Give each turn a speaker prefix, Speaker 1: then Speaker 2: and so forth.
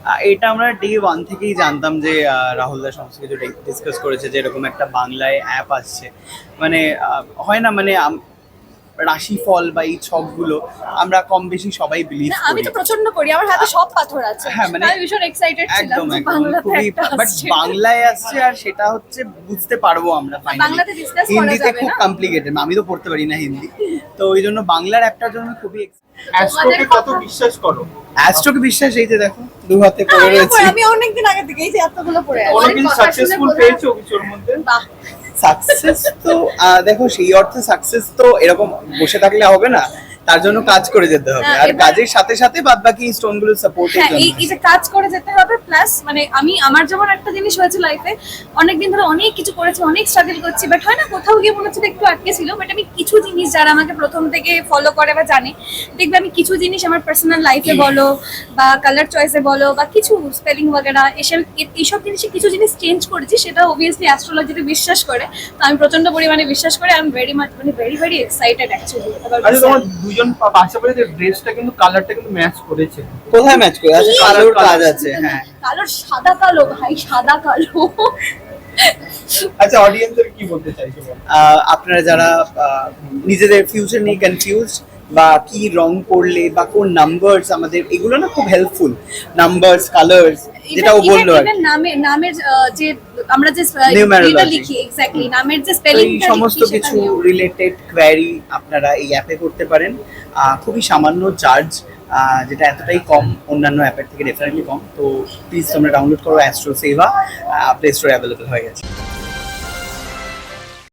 Speaker 1: এটা আমরা ডে 1 থেকেই জানতাম যে রাহুলদা সমস্ত কিছু ডিসকাস করেছে যে এরকম একটা বাংলায় অ্যাপ আসছে। মানে হয় না, মানে রাশিফল বা এই ছকগুলো আমরা কম বেশি সবাই বিলিভ
Speaker 2: না, আমি
Speaker 1: করি।
Speaker 2: তো প্রচন্ড করি, আমার হাতে সব পাথর আছে।
Speaker 1: হ্যাঁ, মানে
Speaker 2: আমি ভীষণ এক্সাইটেড ছিলাম
Speaker 1: একদম
Speaker 2: যে
Speaker 1: একদম
Speaker 2: বাংলাতে
Speaker 1: খুবই,
Speaker 2: একটা
Speaker 1: বাট
Speaker 2: আসছে।
Speaker 1: বাংলায় আসছে আর সেটা হচ্ছে বুঝতে পারবো আমরা ফাইনালি।
Speaker 2: বাংলাতে discuss করা
Speaker 1: হিন্দিতে
Speaker 2: যাবে
Speaker 1: খুব
Speaker 2: না?
Speaker 1: কমপ্লিকেটেড, আমি তো পড়তে পারি না হিন্দি, তো ওই জন্য বাংলার অ্যাপটার জন্য খুবই
Speaker 3: অ্যাস্ট্রোকে কত বিশ্বাস করো?
Speaker 1: অ্যাস্ট্রোকে বিশ্বাস, এই যে দেখো 2 হাতে পড়ে
Speaker 2: আমিও
Speaker 1: রয়েছে।
Speaker 2: পড়ে, আমি অনেকদিন আগে থেকে এই যে এতগুলো পড়ে আছে।
Speaker 3: কোনোদিন
Speaker 2: কথা শুনে
Speaker 3: সাকসেসফুল
Speaker 2: বোঝা-
Speaker 3: পেয়েছো কিছুর মধ্যে?
Speaker 2: বাহ,
Speaker 1: সাকসেস তো দেখো সেই অর্থে সাকসেস তো এরকম বসে থাকলে হবে না, তার জন্য কাজ করে যেতে হবে,
Speaker 2: হ্যাঁ,
Speaker 1: আর
Speaker 2: এবার-
Speaker 1: কাজের সাথে সাথে বাদ বাকি স্টোন গুলো সাপোর্টের
Speaker 2: হ্যাঁ,
Speaker 1: জন্য।
Speaker 2: এই যে কাজ করে যেতে হবে, প্লাস মানে আমার যেমন একটা জিনিস হয়েছে লাইফে, অনেকদিন ধরে অনেক কিছু করেছি, অনেক স্ট্রাগল করছি, বাট হয় না কোথাও গিয়ে মনে হচ্ছে যে একটু আটকে ছিল। বাট আমি কিছু জিনিস, যারা আমাকে প্রথম থেকে ফলো করে বা জানে, দেখবে আমি কিছু জিনিস আমার পার্সোনাল লাইফে বলো বা কালার চয়েসে বলো বা কিছু স্পেলিং বগেরা এইসব জিনিসে কিছু জিনিস চেঞ্জ করেছি, সেটা অবভিয়াসলি অ্যাস্ট্রোলজিতে বিশ্বাস করে। তো আমি প্রচন্ড পরিমাণে বিশ্বাস করি। আই এম ভেরি মাচ, মানে ভেরি ভেরি এক্সাইটেড অ্যাকচুয়ালি।
Speaker 3: আচ্ছা, তোমার দুজন পাশাপাশি ড্রেসটা কিন্তু কালারটা কিন্তু ম্যাচ করেছে।
Speaker 1: কোথায় ম্যাচ করে আছে?
Speaker 2: কি?
Speaker 1: কালোর কাজ আছে, হ্যাঁ।
Speaker 2: কালো, সাদা কালো ভাই, সাদা কালো।
Speaker 3: আচ্ছা, অডিয়েন্সের কি বলতে চাইছো বলো?
Speaker 1: আপনারা যারা নিজেদের ফিউচার নিয়ে কনফিউজ, বা কি রং পড়লে বা কোন নাম্বারস, আমাদের এগুলো না খুব হেল্পফুল, নাম্বারস, কালার্স, যেটা ও বললো আর কি।
Speaker 2: নামের যে আমরা যে
Speaker 1: Numerology।
Speaker 2: এটা লিখি, এক্স্যাক্টলি নামের যে
Speaker 1: তো
Speaker 2: স্পেলিং,
Speaker 1: এই সমস্ত কিছু রিলেটেড কোয়ারি আপনারা এই অ্যাপে করতে পারেন। খুবই সামান্য চার্জ, যেটা এতটাই কম, অন্যান্য অ্যাপের থেকে ডেফিনেটলি কম। তো প্লিজ তোমরা ডাউনলোড করো অ্যাস্ট্রো সেভা, প্লে স্টোরে অ্যাভেলেবল হয়ে গেছে।